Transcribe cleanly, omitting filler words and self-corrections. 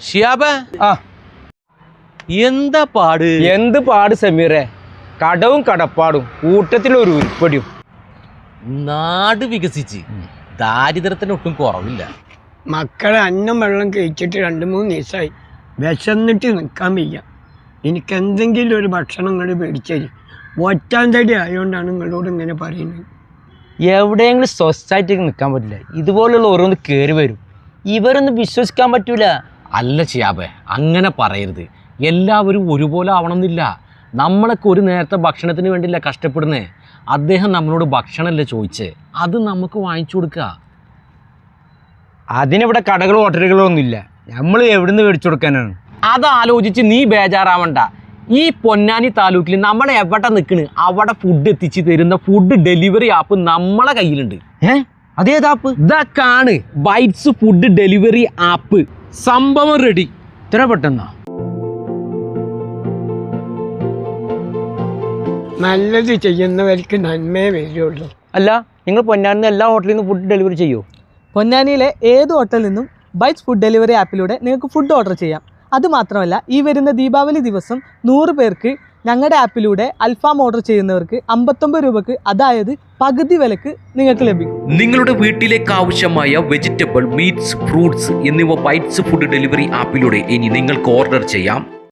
ഷിയാബ് ആ എന്താ പാട്? എന്ത് പാട് സമീറെ, കടവും കടപ്പാടും കൂട്ടത്തിലൊരു ഉരുപ്പടിയും. നാട് വികസിച്ച് ദാരിദ്ര്യത്തിന് ഒട്ടും കുറവില്ല. മക്കളെ അന്നം വെള്ളം കഴിച്ചിട്ട് 2-3 ദിവസമായി, വിശന്നിട്ട് നിൽക്കാൻ വയ്യ. എനിക്ക് എന്തെങ്കിലും ഒരു ഭക്ഷണം നിങ്ങൾ മേടിച്ചേരി. ഒറ്റാം തടി ആയതുകൊണ്ടാണ് നിങ്ങളോട് ഇങ്ങനെ പറയുന്നത്. എവിടെയെങ്കിലും സ്വസ്ഥായിട്ട് നിൽക്കാൻ പറ്റില്ല, ഇതുപോലുള്ള ഓരോന്ന് കയറി വരും. ഇവരൊന്നും വിശ്വസിക്കാൻ പറ്റൂല. അല്ല ഷിയാബ്, അങ്ങനെ പറയരുത്. എല്ലാവരും ഒരുപോലെ ആവണമെന്നില്ല. നമ്മളൊക്കെ ഒരു നേരത്തെ ഭക്ഷണത്തിന് വേണ്ടിയില്ല കഷ്ടപ്പെടുന്നേ. അദ്ദേഹം നമ്മളോട് ഭക്ഷണമല്ലേ ചോദിച്ചേ, അത് നമുക്ക് വാങ്ങിച്ചു കൊടുക്കുക. അതിനിവിടെ കടകളോ ഹോട്ടലുകളോ ഒന്നുമില്ല, നമ്മൾ എവിടുന്ന് മേടിച്ചു കൊടുക്കാനാണ്? അതാലോചിച്ച് നീ ബേജാറാവണ്ട. ഈ പൊന്നാനി താലൂക്കിൽ നമ്മൾ എവിടെ നിൽക്കണ് അവിടെ ഫുഡ് എത്തിച്ച് തരുന്ന ഫുഡ് ഡെലിവറി ആപ്പ് നമ്മളെ കയ്യിലുണ്ട്. അതേത് ആപ്പ്? ഇതൊക്കെയാണ് ബൈറ്റ്സ് ഫുഡ് ഡെലിവറി ആപ്പ്. സംഭവം റെഡി. ഇത്ര പെട്ടെന്നാ? നല്ലത് ചെയ്യുന്നവർക്ക് നന്മയെ വരുള്ളൂ. അല്ല, നിങ്ങൾ പൊന്നാനിന്ന് എല്ലാ ഹോട്ടലിൽ നിന്ന് ഫുഡ് ഡെലിവറി ചെയ്യുമോ? പൊന്നാനിയിലെ ഏത് ഹോട്ടലിൽ നിന്നും ബൈറ്റ്സ് ഫുഡ് ഡെലിവറി ആപ്പിലൂടെ നിങ്ങൾക്ക് ഫുഡ് ഓർഡർ ചെയ്യാം. അതുമാത്രമല്ല, ഈ വരുന്ന ദീപാവലി ദിവസം 100 പേർക്ക് ഞങ്ങളുടെ ആപ്പിലൂടെ അൽഫാം ഓർഡർ ചെയ്യുന്നവർക്ക് 59 രൂപക്ക്, അതായത് പകുതി വിലക്ക് നിങ്ങൾക്ക് ലഭിക്കും. നിങ്ങളുടെ വീട്ടിലേക്ക് ആവശ്യമായ വെജിറ്റബിൾ, മീറ്റ്സ്, ഫ്രൂട്ട്സ് എന്നിവ ബൈറ്റ്സ് ഫുഡ് ഡെലിവറി ആപ്പിലൂടെ ഇനി നിങ്ങൾക്ക് ഓർഡർ ചെയ്യാം.